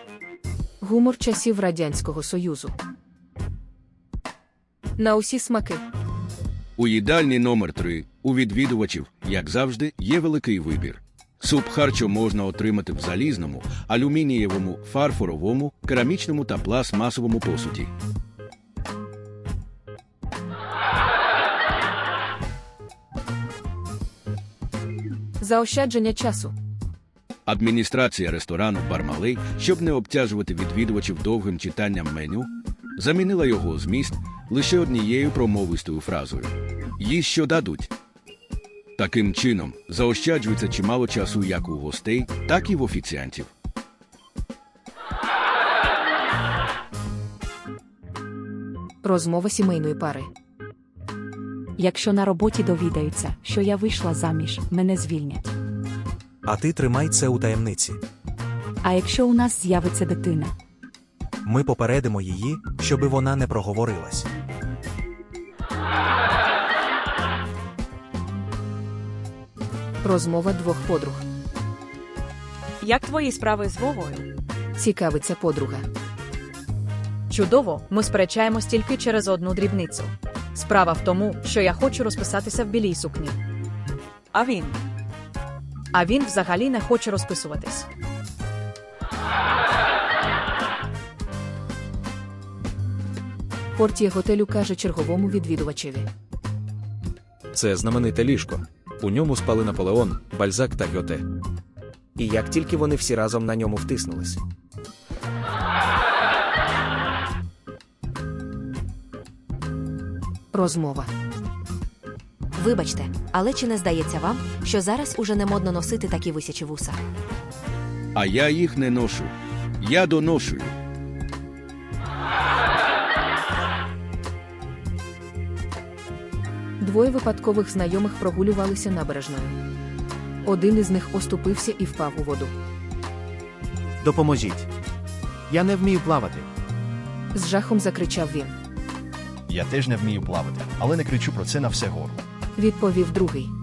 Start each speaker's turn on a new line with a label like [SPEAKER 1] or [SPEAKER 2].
[SPEAKER 1] Гумор часів Радянського Союзу. На усі смаки.
[SPEAKER 2] У їдальні номер 3 у відвідувачів, як завжди, є великий вибір. Суп харчо можна отримати в залізному, алюмінієвому, фарфоровому, керамічному та пластмасовому посуді.
[SPEAKER 1] Заощадження часу.
[SPEAKER 2] Адміністрація ресторану «Бармалей», щоб не обтяжувати відвідувачів довгим читанням меню, замінила його зміст лише однією промовистою фразою «Їсть, що дадуть». Таким чином, заощаджується чимало часу як у гостей, так і в офіціантів.
[SPEAKER 1] Розмова сімейної пари.
[SPEAKER 3] Якщо на роботі довідаються, що я вийшла заміж, мене звільнять.
[SPEAKER 4] А ти тримай це у таємниці.
[SPEAKER 3] А якщо у нас з'явиться дитина?
[SPEAKER 4] Ми попередимо її, щоби вона не проговорилась.
[SPEAKER 1] Розмова двох подруг.
[SPEAKER 5] Як твої справи з Вовою?
[SPEAKER 1] Цікавиться подруга.
[SPEAKER 5] Чудово, ми сперечаємось тільки через одну дрібницю. Справа в тому, що я хочу розписатися в білій сукні. А він взагалі не хоче розписуватись.
[SPEAKER 1] Портє готелю каже черговому відвідувачеві.
[SPEAKER 6] Це знамените ліжко. У ньому спали Наполеон, Бальзак та Гьоте.
[SPEAKER 7] І як тільки вони всі разом на ньому втиснулись.
[SPEAKER 1] Розмова.
[SPEAKER 8] Вибачте, але чи не здається вам, що зараз уже не модно носити такі висячі вуса?
[SPEAKER 2] А я їх не ношу. Я доношую.
[SPEAKER 1] Двоє випадкових знайомих прогулювалися набережною. Один із них оступився і впав у воду.
[SPEAKER 9] Допоможіть. Я не вмію плавати.
[SPEAKER 1] З жахом закричав він.
[SPEAKER 10] Я теж не вмію плавати, але не кричу про це на все горло.
[SPEAKER 1] Відповів другий.